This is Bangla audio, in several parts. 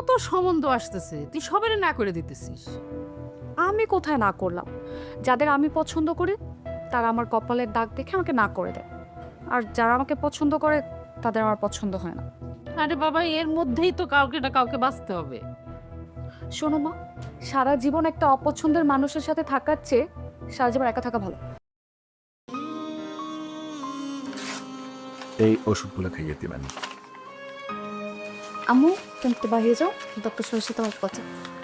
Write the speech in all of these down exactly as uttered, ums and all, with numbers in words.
কত সম্বন্ধ আসতেছে, তুই সবারই না করে দিতেছিস। আমি কোথায় না করলাম? যাদের আমি পছন্দ করি তারা আমার কপালের দাগ দেখে আমাকে না করে দেয়, আর যারা আমাকে পছন্দ করে তাদের আমার পছন্দ হয় না। আরে বাবা, এর মধ্যেই তো কাউকে না কাউকে বাঁচতে হবে। শোনো মা, সারা জীবন একটা অপছন্দের মানুষের সাথে থাকার চেয়ে সারা জীবন একা থাকা ভালো। এই ওষুধগুলো খাইয়ে দিবেন। আম্মু, তুমি একটু বাইরে যাও, ডক্টর সাহেবের সাথে আমার কথা।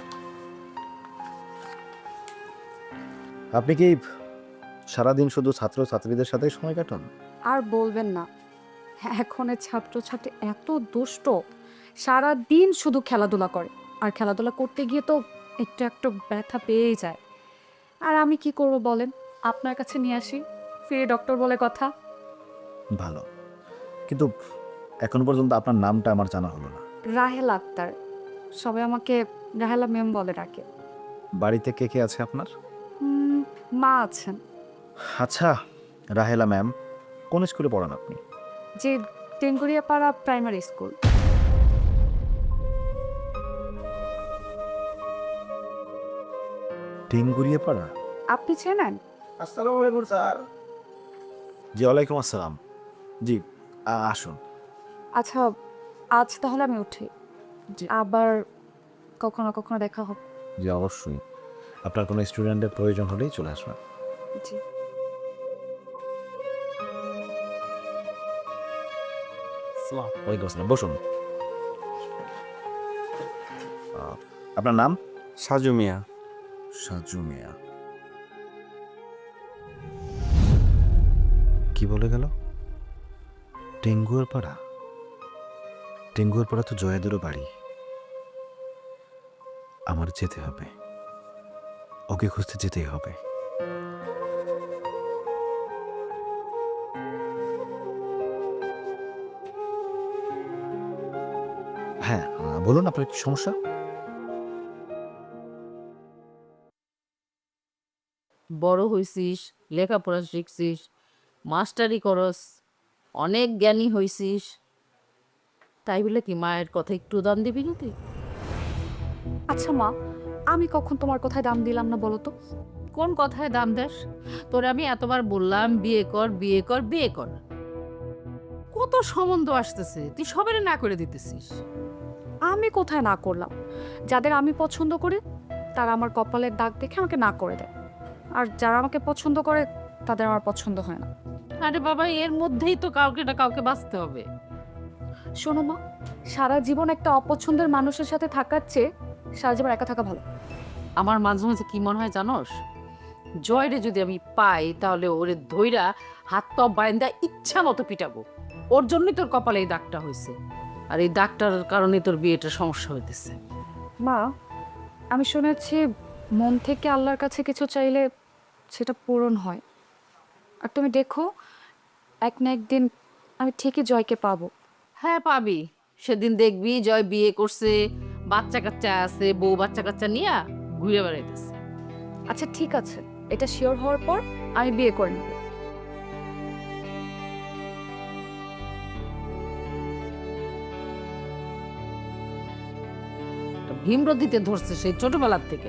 আপনি কি সারাদিন শুধু ছাত্র ছাত্রীদের সাথে সময় কাটান? আর বলবেন না, এখনের ছাত্রছাত্রী এত দুষ্ট, সারা দিন শুধু খেলাধুলা করে, আর খেলাধুলা করতে গিয়ে তো একটু একটু ব্যথা পেয়েই যায়। আর আমি কি করব বলেন, আপনার কাছে নিয়ে আসি, ফিরে ডক্টর বলে কথা। ভালো, কিন্তু এখন পর্যন্ত আপনার নামটা আমার জানা হলো না। রাহেল আক্তার, সবাই আমাকে রাহেলা ম্যাম বলে ডাকে। বাড়িতে কে কে আছে আপনার? উম, মা আছেন। আচ্ছা, রাহেলা ম্যাম, কোন স্কুলে পড়ান আপনি? যে টেঙ্গুরিয়াপাড়া প্রাইমারি স্কুল। টিঙ্গুরিয়া পাড়া? আপনি চেনেন? আসসালামু আলাইকুম স্যার। জি ওয়ালাইকুম আসসালাম। জি, আ- আসুন। আচ্ছা, আজ তাহলে আমি উঠি, আবার কখনো কখনো দেখা হবে। জি অবশ্যই, আপনার কোনো স্টুডেন্টের প্রয়োজন হলেই চলে আসবেন। জি। ওয়ালাইকুম আসসালাম, বসুন। আহ, আপনার নাম? সাজু মিয়া। সাজু মিয়া। কি বলে গেল? টেঙ্গুয়ার পাড়া? টেঙ্গুয়ার পাড়া তো জয়াদেরও বাড়ি। আমার যেতে হবে, ওকে খুঁজতে যেতেই হবে। হ্যাঁ, আহ, বলুন আপনার কি সমস্যা? বড় হইছিস, লেখাপড়া শিখছিস, মাস্টারি করস, অনেক জ্ঞানী হইছিস, তাই বলে কি মায়ের কথা একটু দাম দিবি না তুই? আচ্ছা মা, আমি কখন তোমার কথায় দাম দিলাম না বলো তো? কোন কথায় দাম দেস? তোরে আমি এতবার বললাম বিয়ে কর, বিয়ে কর, বিয়ে কর। কত সম্বন্ধ আসতেছে, তুই সবারই না করে দিতেছিস। আমি কোথায় না করলাম? যাদের আমি পছন্দ করি তারা আমার কপালের দাগ দেখে আমাকে না করে দেয়, আর যারা আমাকে পছন্দ করে তাদের আমার পছন্দ হয় না। আরে বাবা, এর মধ্যেই তো কাউকে না কাউকে বাঁচতে হবে। শোনো মা, সারা জীবন একটা অপছন্দের মানুষের সাথে থাকার চেয়ে সারা জীবন একা থাকা ভালো। আমার মাঝে মাঝে কি মনে হয় জানোস, জয়রে যদি আমি পাই তাহলে ওরে ধইরা হাত পা বাইন্দা ইচ্ছা মতো পিটাবো। ওর জন্যই তোর কপালে এই দাগটা হয়েছে, আর এই দাগটার কারণে তোর বিয়েটা সমস্যা হইতেছে। মা, আমি শুনেছি মন থেকে আল্লাহর কাছে কিছু চাইলে সেটা পূরণ হয়, আর তুমি দেখো এক না একদিন আমি ঠিকই জয়কে পাবো। হ্যাঁ পাবি, সেদিন দেখবি জয় বিয়ে করছে, বাচ্চা কাচ্চা আছে, বউ বাচ্চা কাচ্চা নিয়ে ঘুরে বেড়াইতেছে। আচ্ছা ঠিক আছে, এটা শিওর হওয়ার পর আমি বিয়ে করে নেব। ভীমরতিতে ধরছে সেই ছোটবেলার থেকে।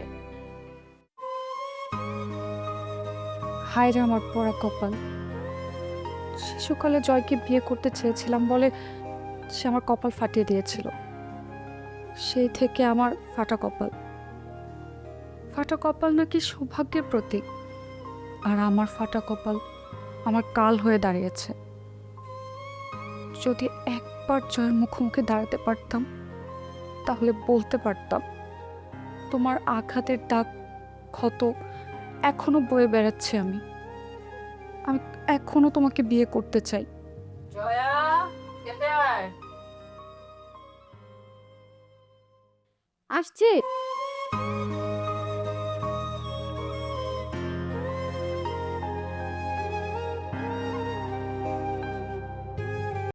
হায় রে আমার পড়া কপাল, শিশুকালে জয়কে বিয়ে করতে চেয়েছিলাম বলে সে আমার কপাল ফাটিয়ে দিয়েছিল। সেই থেকে আমার ফাটা কপাল। ফাটা কপাল নাকি সৌভাগ্যের প্রতীক, আর আমার ফাটা কপাল আমার কাল হয়ে দাঁড়িয়েছে। যদি একবার জয়ের মুখোমুখি দাঁড়াতে পারতাম তাহলে বলতে পারতাম, তোমার আঘাতের দাগ ক্ষত এখনো বয়ে বেড়াচ্ছে, আমি আমি এখনো তোমাকে বিয়ে করতে চাই। জয়া, খেতে আয়। আসছে।